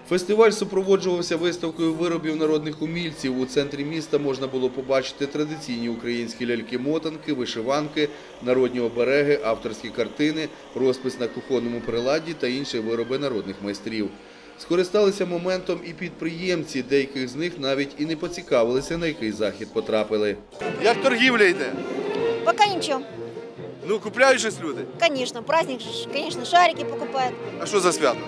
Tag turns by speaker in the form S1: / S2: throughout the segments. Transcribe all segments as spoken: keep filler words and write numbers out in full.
S1: Фестиваль супроводжувався виставкою виробів народних умільців. У центрі міста можна було побачити традиційні українські ляльки-мотанки, вишиванки, народні обереги, авторські картини, розпис на кухонному приладді та інші вироби народних майстрів. Скористалися моментом і підприємці, деяких з них навіть і не поцікавилися, на який захід потрапили.
S2: Як торгівля йде?
S3: Пока ничего.
S2: Ну, купляють щось люди?
S3: Конечно, праздник, конечно, шарики покупают.
S2: А що за свято?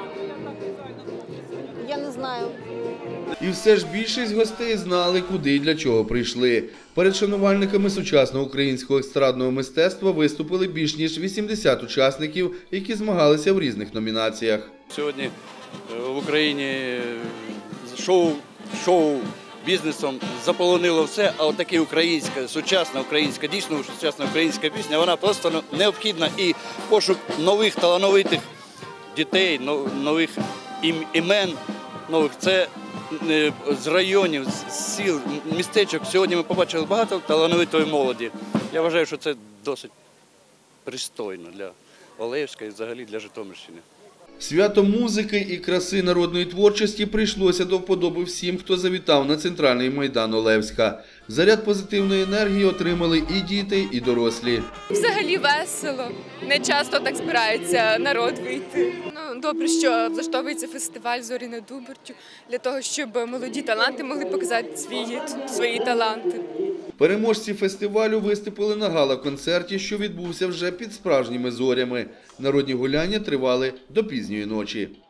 S3: Я не знаю.
S1: І все ж більшість гостей знали, куди і для чого прийшли. Перед шанувальниками сучасного українського естрадного мистецтва виступили більш ніж вісімдесят учасників, які змагалися в різних номінаціях.
S4: Сьогодні в Україні шоу, шоу бізнесом заполонило все, а от така українська, сучасна українська, дійсно сучасна українська пісня, вона просто необхідна. І пошук нових талановитих дітей, нових імен, нових, це з районів, з сіл, містечок. Сьогодні ми побачили багато талановитої молоді. Я вважаю, що це досить пристойно для Олевська і взагалі для Житомирщини.
S1: Свято музики і краси народної творчості прийшлося до вподоби всім, хто завітав на центральний майдан Олевська. Заряд позитивної енергії отримали і діти, і дорослі.
S5: Взагалі весело. Не часто так збирається народ вийти. Ну, добре, що влаштовується фестиваль «Зорі над Убертю» для того, щоб молоді таланти могли показати свої, свої таланти.
S1: Переможці фестивалю виступили на гала-концерті, що відбувся вже під справжніми зорями. Народні гуляння тривали до пізньої ночі.